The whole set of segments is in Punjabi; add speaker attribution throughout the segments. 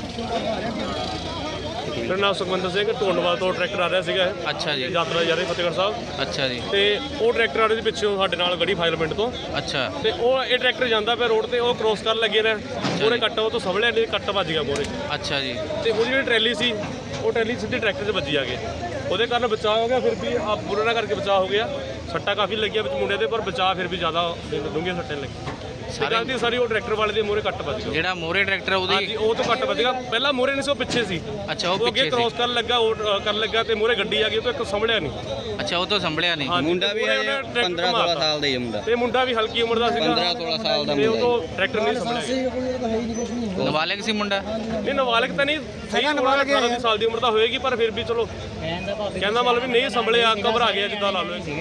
Speaker 1: ਮੇਰਾ ਨਾਮ ਸੁਖਵਿੰਦਰ ਸਿੰਘ ਢੋਂਡਵਾਲ ਤੋਂ ਟਰੈਕਟਰ ਆ ਰਿਹਾ ਸੀਗਾ।
Speaker 2: ਅੱਛਾ ਜੀ।
Speaker 1: ਯਾਤਰਾ ਜਾ ਰਹੀ ਫਤਿਹਗੜ੍ਹ ਸਾਹਿਬ।
Speaker 2: ਅੱਛਾ ਜੀ।
Speaker 1: ਤੇ ਉਹ ਟਰੈਕਟਰ ਆ ਰਿਹਾ ਸੀ ਪਿੱਛੋਂ ਸਾਡੇ ਨਾਲ ਗੜੀ ਫਾਜ਼ਿਲ ਪਿੰਡ ਤੋਂ।
Speaker 2: ਅੱਛਾ।
Speaker 1: ਤੇ ਉਹ ਇਹ ਟਰੈਕਟਰ ਜਾਂਦਾ ਪਿਆ ਰੋਡ ਤੇ, ਉਹ ਕ੍ਰੋਸ ਕਰਨ ਲੱਗੇ ਨੇ, ਉਹਨੇ ਕੱਟ ਉਹ ਤੋਂ ਸਵਲਿਆ ਨਹੀਂ, ਕੱਟ ਵੱਜ ਗਿਆ ਮੋਰੇ।
Speaker 2: ਅੱਛਾ ਜੀ।
Speaker 1: ਤੇ ਉਹਦੀ ਜਿਹੜੀ ਟਰੈਲੀ ਸੀ, ਉਹ ਟਰੈਲੀ ਸਿੱਧੀ ਟਰੈਕਟਰ 'ਚ ਵੱਜੀ ਆ ਕੇ, ਉਹਦੇ ਕਾਰਨ ਬਚਾਅ ਹੋ ਗਿਆ। ਫਿਰ ਵੀ ਬੁਰਾ ਨਾ ਕਰਕੇ ਬਚਾਅ ਹੋ ਗਿਆ। ਸੱਟਾਂ ਕਾਫੀ ਲੱਗੀਆਂ ਵਿੱਚ ਮੁੰਡੇ ਦੇ, ਪਰ ਬਚਾਅ ਫਿਰ ਵੀ ਜ਼ਿਆਦਾ ਡੂੰਘੀਆਂ ਸੱਟਾਂ ਲੱਗੀਆਂ। ਸਾਰੀ ਉਹ ਟਰੈਕਟਰ ਵਾਲੇ ਦੇ ਮੋਰੇ ਕੱਟ ਵੱਜ ਗਿਆ।
Speaker 2: ਜਿਹੜਾ ਮੋਰੇ ਟਰੈਕਟਰ ਉਹਦੀ
Speaker 1: ਉਹ ਤੋਂ ਕੱਟ ਵੱਜ ਗਿਆ। ਪਹਿਲਾਂ ਮੋਰੇ ਨਹੀਂ ਸੀ, ਉਹ ਪਿੱਛੇ ਸੀ।
Speaker 2: ਅੱਛਾ, ਉਹ
Speaker 1: ਅੱਗੇ
Speaker 2: ਪਿੱਛੇ
Speaker 1: ਕ੍ਰੋਸ ਕਰਨ ਲੱਗਾ, ਉਹ ਕਰਨ ਲੱਗਾ ਤੇ ਮੋਰੇ ਗੱਡੀ ਆ ਗਈ, ਉਹ ਤੋਂ ਇੱਕ ਸੰਭਲਿਆ ਨਹੀਂ।
Speaker 2: ਅੱਛਾ, ਉਹ ਤੋਂ ਸੰਭਲਿਆ ਨਹੀਂ।
Speaker 3: ਮੁੰਡਾ ਵੀ 15-16 ਸਾਲ ਦਾ ਹੀ ਮੁੰਡਾ,
Speaker 1: ਤੇ ਮੁੰਡਾ ਵੀ ਹਲਕੀ ਉਮਰ ਦਾ ਸੀਗਾ,
Speaker 3: 15-16 ਸਾਲ ਦਾ
Speaker 1: ਤੇ ਉਹ
Speaker 3: ਮੁੰਡਾ।
Speaker 1: ਤੋਂ ਟਰੈਕਟਰ ਨਹੀਂ ਸੰਭਲਿਆ।
Speaker 2: ਨਾਬਾਲਗ ਸੀ ਮੁੰਡਾ?
Speaker 1: ਨਹੀਂ, ਨਾਬਾਲਗ ਤਾਂ ਨਹੀਂ, ਸਹੀ 18 ਸਾਲ ਦੀ ਉਮਰ ਦਾ ਹੋਏਗੀ, ਪਰ ਫਿਰ ਵੀ ਚਲੋ ਕਹਿੰਦਾ ਮਤਲਬ ਵੀ ਨਹੀਂ ਸੰਭਲਿਆ, ਘਬਰਾ ਗਿਆ ਜਿੱਦਾਂ ਲਾ ਲਓ।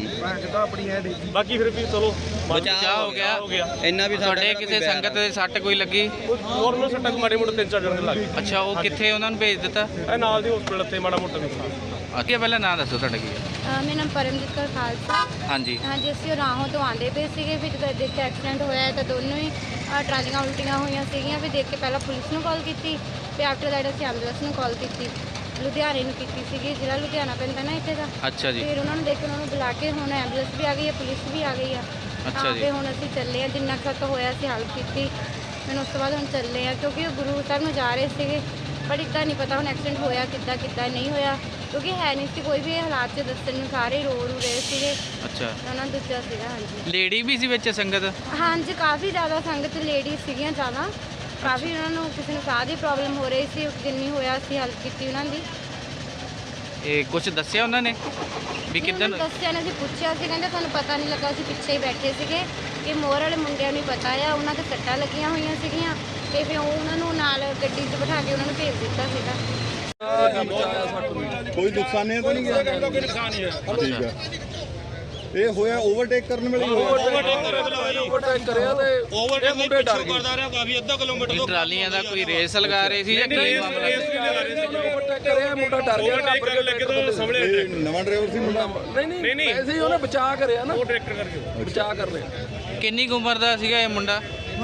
Speaker 1: ਬਾਕੀ ਫਿਰ ਵੀ ਚਲੋ
Speaker 2: ਬਚਾਅ ਹੋ ਗਿਆ।
Speaker 3: ਇੰਨਾ ਵੀ
Speaker 2: ਤੁਹਾਡੇ ਕਿਸੇ ਸੰਗਤ ਦੇ ਸੱਟ ਕੋਈ ਲੱਗੀ?
Speaker 1: ਨੋਰਮਲ ਸੱਟਾਂ ਮਾੜੇ ਮੋਟੇ 3-4 ਜਣੇ ਲੱਗ ਗਏ।
Speaker 2: ਅੱਛਾ, ਉਹ ਕਿੱਥੇ ਉਹਨਾਂ ਨੂੰ ਭੇਜ ਦਿੱਤਾ?
Speaker 1: ਇਹ ਨਾਲ ਦੀ ਹਸਪੀਟਲ ਤੇ ਮਾੜਾ ਮੋਟਾ ਨੁਕਸਾਨ।
Speaker 2: ਅੱਗੇ ਪਹਿਲਾਂ ਨਾਂ ਦੱਸੋ ਤੁਹਾਡਾ ਕੀ ਹੈ?
Speaker 4: ਮੇਰਾ ਨਾਮ ਪਰਮਜੀਤ ਕੌਰ ਖਾਲਸਾ।
Speaker 2: ਹਾਂਜੀ।
Speaker 4: ਹਾਂਜੀ, ਅਸੀਂ ਉਹ ਰਾਹੋਂ ਤੋਂ ਆਉਂਦੇ ਪਏ ਸੀਗੇ, ਵੀ ਜਦੋਂ ਦੇਖ ਕੇ ਐਕਸੀਡੈਂਟ ਹੋਇਆ ਤਾਂ ਦੋਨੋਂ ਹੀ ਟਰਾਲੀਆਂ ਉਲਟੀਆਂ ਹੋਈਆਂ ਸੀਗੀਆਂ। ਵੀ ਦੇਖ ਕੇ ਪਹਿਲਾਂ ਪੁਲਿਸ ਨੂੰ ਕਾਲ ਕੀਤੀ, ਤੇ ਆਫਟਰ ਦੈਟ ਅਸੀਂ ਐਂਬੂਲੈਂਸ ਨੂੰ ਕਾਲ ਕੀਤੀ, ਲੁਧਿਆਣੇ ਨੂੰ ਕੀਤੀ ਸੀਗੀ, ਜਿਹੜਾ ਲੁਧਿਆਣਾ ਪੈਂਦਾ ਨਾ ਇੱਥੇ ਦਾ।
Speaker 2: ਅੱਛਾ ਜੀ।
Speaker 4: ਫਿਰ ਉਹਨਾਂ ਨੂੰ ਦੇਖ ਕੇ ਉਹਨਾਂ ਨੂੰ ਬੁਲਾ ਕੇ ਹੁਣ ਐਂਬੂਲੈਂਸ ਵੀ ਆ ਗਈ ਹੈ, ਪੁਲਿਸ ਵੀ ਆ ਗਈ ਆ।
Speaker 2: ਅੱਛਾ ਜੀ।
Speaker 4: ਤੇ ਹੁਣ ਅਸੀਂ ਚੱਲੇ ਆ, ਜਿੰਨਾ ਕੁ ਤੱਕ ਹੋਇਆ ਅਸੀਂ ਹੈਲਪ ਕੀਤੀ। ਮੈਨੂੰ ਉਸ ਤੋਂ ਬਾਅਦ ਹੁਣ ਚੱਲੇ ਆ, ਕਿਉਂਕਿ ਉਹ ਗੁਰੂ ਸਾਹਿਬ ਨੂੰ ਜਾ ਰਹੇ ਸੀਗੇ, ਪਰ ਇੱਦਾਂ ਨਹੀਂ ਪਤਾ ਹੁਣ ਐਕਸੀਡੈਂਟ ਹੋਇਆ ਕਿੱਦਾਂ ਨਹੀਂ ਹੋਇਆ, ਕਿਉਂਕਿ ਹੈ ਨਹੀਂ ਸੀ ਕੋਈ ਵੀ ਹਾਲਾਤ 'ਚ ਦੱਸਣ ਨੂੰ, ਸਾਰੇ ਰੋ ਰਹੇ ਸੀਗੇ।
Speaker 2: ਅੱਛਾ।
Speaker 4: ਉਹਨਾਂ ਨੂੰ ਦੂਜਾ ਸੀਗਾ। ਹਾਂਜੀ,
Speaker 2: ਲੇਡੀ ਵੀ ਸੀ ਵਿੱਚ ਸੰਗਤ?
Speaker 4: ਹਾਂਜੀ, ਕਾਫੀ ਜ਼ਿਆਦਾ ਸੰਗਤ ਲੇਡੀਜ਼ ਸੀਗੀਆਂ ਜ਼ਿਆਦਾ, ਕਾਫੀ ਉਹਨਾਂ ਨੂੰ ਕਿਸੇ ਨੂੰ ਸਾਹ ਦੀ ਪ੍ਰੋਬਲਮ ਹੋ ਰਹੀ ਸੀ, ਜਿੰਨੀ ਹੋਇਆ ਅਸੀਂ ਹੈਲਪ ਕੀਤੀ ਉਹਨਾਂ ਦੀ।
Speaker 2: ਇਹ ਕੁਝ ਦੱਸਿਆ ਉਹਨਾਂ ਨੇ ਵੀ ਕਿੱਦਾਂ?
Speaker 4: ਦੱਸਿਆ ਨੇ, ਅਸੀਂ ਪੁੱਛਿਆ ਸੀ, ਕਹਿੰਦੇ ਸਾਨੂੰ ਪਤਾ ਨਹੀਂ ਲੱਗਾ, ਅਸੀਂ ਪਿੱਛੇ ਹੀ ਬੈਠੇ ਸੀਗੇ। ਕਿ ਮੋਰ ਵਾਲੇ ਮੁੰਡਿਆਂ ਨੂੰ ਪਤਾ ਆ, ਉਹਨਾਂ ਦੇ ਸੱਟਾਂ ਲੱਗੀਆਂ ਹੋਈਆਂ ਸੀਗੀਆਂ, ਤੇ ਫਿਰ ਉਹਨਾਂ ਨੂੰ ਨਾਲ ਗੱਡੀ 'ਚ ਬਿਠਾ ਕੇ ਉਹਨਾਂ ਨੂੰ ਭੇਜ ਦਿੱਤਾ ਸੀਗਾ।
Speaker 5: ਕੋਈ ਨੁਕਸਾਨ ਨਹੀਂ ਤਾਂ ਨਹੀਂ ਗਿਆ?
Speaker 1: ਕੋਈ ਨੁਕਸਾਨ ਨਹੀਂ ਹੈ।
Speaker 5: ਠੀਕ ਹੈ। ਇਹ ਹੋਇਆ ਓਵਰਟੇਕ ਕਰਨ ਵੇਲੇ ਹੀ ਹੋਇਆ।
Speaker 1: ਮੁੰਡੇ ਡਰ ਗਏ। ਕਰਦਾ ਰਿਹਾ ਕਾਫੀ ਅੱਧਾ ਕਿਲੋਮੀਟਰ ਤੋਂ।
Speaker 2: ਟਰਾਲੀਆਂ ਦਾ ਕੋਈ ਰੇਸ ਲਗਾ ਰਹੇ ਸੀ ਜਾਂ ਕੀ ਮਾਮਲਾ ਸੀ?
Speaker 6: ਮੁੰਡਾ ਡਰ ਗਿਆ ਨਾ,
Speaker 1: ਕਰਨ ਲੱਗੇ ਤਾਂ ਸੰਭਲਿਆ
Speaker 5: ਇਹ ਨਵਾਂ ਡਰਾਈਵਰ ਸੀ ਮੁੰਡਾ?
Speaker 6: ਨਹੀਂ ਐਸੇ ਹੀ ਉਹਨੇ ਬਚਾ ਕਰਿਆ ਨਾ,
Speaker 1: ਉਹ ਟਰੈਕਟਰ ਕਰਕੇ
Speaker 6: ਬਚਾ ਕਰ ਲਿਆ।
Speaker 2: ਕਿੰਨੀ ਕੁ ਉਮਰ ਦਾ ਸੀਗਾ ਇਹ ਮੁੰਡਾ?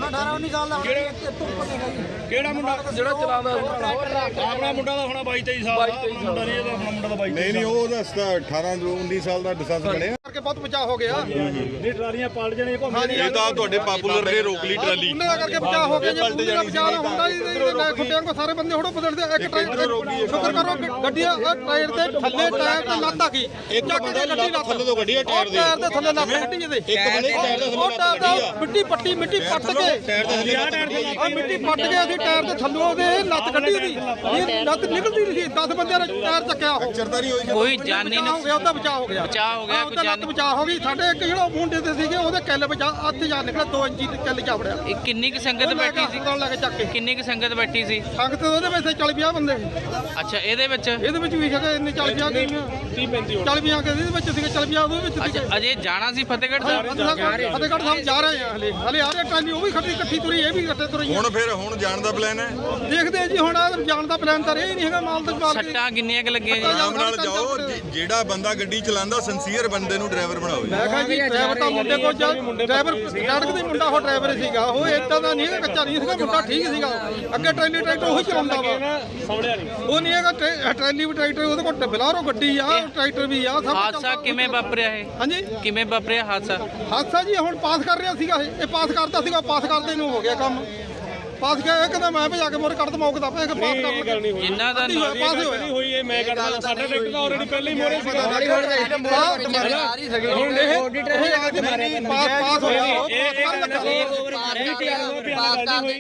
Speaker 1: ਕਿਹੜਾ ਮੁੰਡਾ
Speaker 6: ਜਿਹੜਾ ਚਲਾਉਂਦਾ
Speaker 1: ਆਪਣਾ ਮੁੰਡਾ ਦਾ ਹੋਣਾ 22-23 ਸਾਲ ਦਾ। ਆਪਣਾ ਮੁੰਡਾ ਨਹੀਂ, ਇਹਦਾ ਆਪਣਾ ਮੁੰਡਾ ਦਾ 22।
Speaker 5: ਨਹੀਂ ਉਹ ਦੱਸਦਾ 18-19 ਸਾਲ ਦਾ ਡਿਸੈਂਸ ਬਣਿਆ।
Speaker 6: ਕਰਕੇ ਬਹੁਤ ਬਚਾਅ ਹੋ ਗਿਆ।
Speaker 1: ਨਹੀਂ ਟਰਾਲੀਆਂ ਪਲਟ ਜਾਣੀਆਂ
Speaker 5: ਇਹ ਤਾਂ ਤੁਹਾਡੇ ਪਾਪੂਲਰ ਨੇ ਰੋਕ ਲਈ ਟਰਾਲੀ।
Speaker 6: ਉਹਨਾਂ ਦਾ ਕਰਕੇ ਬਚਾਅ ਹੋ ਗਿਆ। ਜੇ ਪੂਰੀ ਦਾ ਬਚਾਅ ਨਾ ਹੁੰਦਾ ਖੁੱਟਿਆਂ ਕੋ ਸਾਰੇ ਬੰਦੇ ਹੋੜੋ ਬਦਲਦੇ। ਇੱਕ ਟਾਇਰ ਸ਼ੁਕਰ ਕਰੋ ਗੱਡੀ ਟਾਇਰ ਦੇ ਥੱਲੇ ਟਾਇਰ ਤੇ ਲੱਤ ਆ ਗਈ।
Speaker 5: ਇੱਕ ਬੰਦੇ ਲੱਤ ਥੱਲੇ ਤੋਂ ਗੱਡੀ ਟਾਇਰ ਦੇ।
Speaker 6: ਟਾਇਰ ਦੇ ਥੱਲੇ ਲੱਤ ਗੱਡੀ ਇਹਦੇ।
Speaker 5: ਇੱਕ ਬੰਦੇ ਟਾਇਰ ਦੇ
Speaker 6: ਉਹ ਟਾਇਰ ਦਾ ਮਿੱਟੀ ਪੱਟ ਕੇ
Speaker 5: ਟਾਇਰ ਦੇ ਥੱਲੇ
Speaker 6: ਆ ਮਿੱਟੀ ਪੱਟ ਕੇ ਅਸੀਂ ਟਾਇਰ ਦੇ ਥੱਲੋਂ ਉਹਦੇ ਲੱਤ ਕੱਢੀ ਉਹਦੀ। ਇਹ ਲੱਤ ਨਿਕਲਦੀ ਨਹੀਂ ਸੀ। 10 ਬੰਦਿਆਂ ਨੇ ਟਾਇਰ ਚੱਕਿਆ ਉਹ।
Speaker 5: ਚਰਤਾ ਨਹੀਂ ਹੋਈ।
Speaker 2: ਕੋਈ ਜਾਨੀ
Speaker 6: ਹੋ ਗਿਆ, ਉਹਦਾ ਬਚਾਅ ਹੋ ਗਿਆ।
Speaker 2: ਬਚਾਅ ਹੋ ਗਿਆ, ਕੋਈ
Speaker 6: ਉਹਦਾ ਲੱਤ
Speaker 2: ਜਾਨੀ?
Speaker 6: ਬਚਾਅ ਹੋ ਗਈ। ਸਾਡੇ ਇੱਕ ਜਿਹੜਾ ਮੁੰਡੇ ਤੇ ਸੀਗੇ ਉਹਦੇ ਕਿੱਲ ਬਚਾਅ ਅੱਧ ਜਾ ਨਿਕਲਿਆ, 2 ਇੰਚੀ ਕਿੱਲ ਚਾਵੜਿਆ।
Speaker 2: ਇਹ ਕਿੰਨੀ ਕੁ ਸੰਗਤ ਬੈਠੀ ਸੀ?
Speaker 6: ਲੈ ਕੇ ਚੱਕ ਕੇ
Speaker 2: ਕਿੰਨੀ ਕੁ ਸੰਗਤ ਬੈਠੀ ਸੀ?
Speaker 6: ਸੰਗਤ ਉਹਦੇ ਵਿੱਚ 40-50 ਬੰਦੇ।
Speaker 2: ਅੱਛਾ, ਇਹਦੇ ਵਿੱਚ?
Speaker 6: ਇਹਦੇ ਵਿੱਚ ਵੀ ਹੈਗੇ ਇੰਨੇ 40-50 ਗਈਆਂ। 40-50 ਕੇ ਇਹਦੇ ਵਿੱਚ ਸੀਗੇ, 40-50 ਉਹਦੇ ਵਿੱਚ ਸੀਗੇ।
Speaker 2: ਅੱਛਾ, ਅਜੇ ਜਾਣਾ ਸੀ ਫਤਿਹਗੜ੍ਹ ਸਾਹਿਬ?
Speaker 6: ਫਤਿਹਗੜ੍ਹ ਸਾਹਿਬ ਜਾ ਰਹੇ ਆ ਹਲੇ ਆ ਰਹੇ ਟਰਾਲੀ, ਉਹ ਵੀ ਇਕੱਠੀ ਤੁਰੀ, ਇਹ ਵੀ ਇਕੱਠੇ ਤੁਰੀ।
Speaker 5: ਹੁਣ ਜਾਣ ਦਾ ਪਲਾਨ ਹੈ?
Speaker 6: ਦੇਖਦੇ ਆ ਜੀ, ਹੁਣ ਜਾਣ ਦਾ ਪਲਾਨ ਤਾਂ ਇਹ ਨਹੀਂ ਹੈਗਾ। ਮਾਲ ਤਾਂ ਮਾਲ
Speaker 2: ਸੱਟਾਂ ਕਿੰਨੀਆਂ ਕੁ ਲੱਗੀਆਂ ਜੀ?
Speaker 5: ਆਰਾਮ ਨਾਲ ਜਾਓ। ਜਿਹੜਾ ਬੰਦਾ ਗੱਡੀ ਚਲਾਉਂਦਾ ਸਿੰਸੀਅਰ ਬੰਦੇ ਨੂੰ ਡਰਾਈਵਰ ਬਣਾਓ।
Speaker 6: ਮੈਂ ਕਿਹਾ ਜੀ ਡਰਾਈਵਰ ਤਾਂ ਮੁੰਡੇ ਕੋਲ ਡਰਾਈਵਰ ਲੜਕ ਦੇ ਮੁੰਡਾ, ਉਹ ਡਰਾਈਵਰ ਸੀਗਾ। ਉਹ ਏਦਾਂ ਦਾ ਨਹੀਂ ਹੈਗਾ, ਕੱਚਾ ਨਹੀਂ ਸੀਗਾ ਮੁੰਡਾ, ਠੀਕ ਸੀਗਾ। ਅੱਗੇ ਟਰੈਲੀ ਟਰੈਕਟਰ ਉਹੀ ਚਲਾਉਂਦਾ ਵਾ,
Speaker 1: ਸੰਭਲਿਆ ਨਹੀਂ।
Speaker 6: ਉਹ ਨਹੀਂ ਹੈਗਾ। ਟਰੈਲੀ ਵੀ ਟਰੈਕਟਰ, ਉਹਦੇ ਕੋਲ ਬਲਾਰੋ ਗੱਡੀ ਆ, ਟਰੈਕਟਰ ਵੀ ਆ, ਸਭ
Speaker 2: ਹਾਦਸਾ ਕਿਵੇਂ ਵਾਪਰਿਆ ਇਹ?
Speaker 6: ਹਾਂਜੀ,
Speaker 2: ਕਿਵੇਂ ਵਾਪਰਿਆ ਹਾਦਸਾ?
Speaker 6: ਹਾਦਸਾ ਜੀ ਹੁਣ ਪਾਸ ਕਰ ਰਿਹਾ ਸੀਗਾ। ਇਹ ਪਾਸ ਕਰਦਾ ਸੀਗਾ, ਪਾਸ ਕਰਦੇ ਨੂੰ ਹੋ ਗਿਆ ਕੰਮ। ਪਾਸ ਗਿਆ, ਇਹ ਕਹਿੰਦਾ ਮੈਂ ਭਜਾ ਕੇ ਮੋਰ ਕੱਢ ਦਮਾ, ਉਹਦਾ ਪਾਸ
Speaker 1: ਇਹ ਗੱਲ ਨਹੀਂ ਹੋਈ।
Speaker 2: ਜਿੰਨਾ ਦਾ
Speaker 6: ਪਾਸ ਹੀ ਹੋਇਆ।
Speaker 1: ਹੋਈ ਇਹ ਮੈਂ ਕਰਦਾ, ਸਾਡਾ ਟਰੈਕਟਰ ਤਾਂ ਆਲਰੇਡੀ ਪਹਿਲਾਂ ਹੀ ਮੋਰੇ ਸੀਗਾ।
Speaker 6: ਹੁਣ ਇਹ ਪਾਸ ਹੋਇਆ, ਉਹ ਪਾਸ ਕਰਨ ਲੱਗਾ।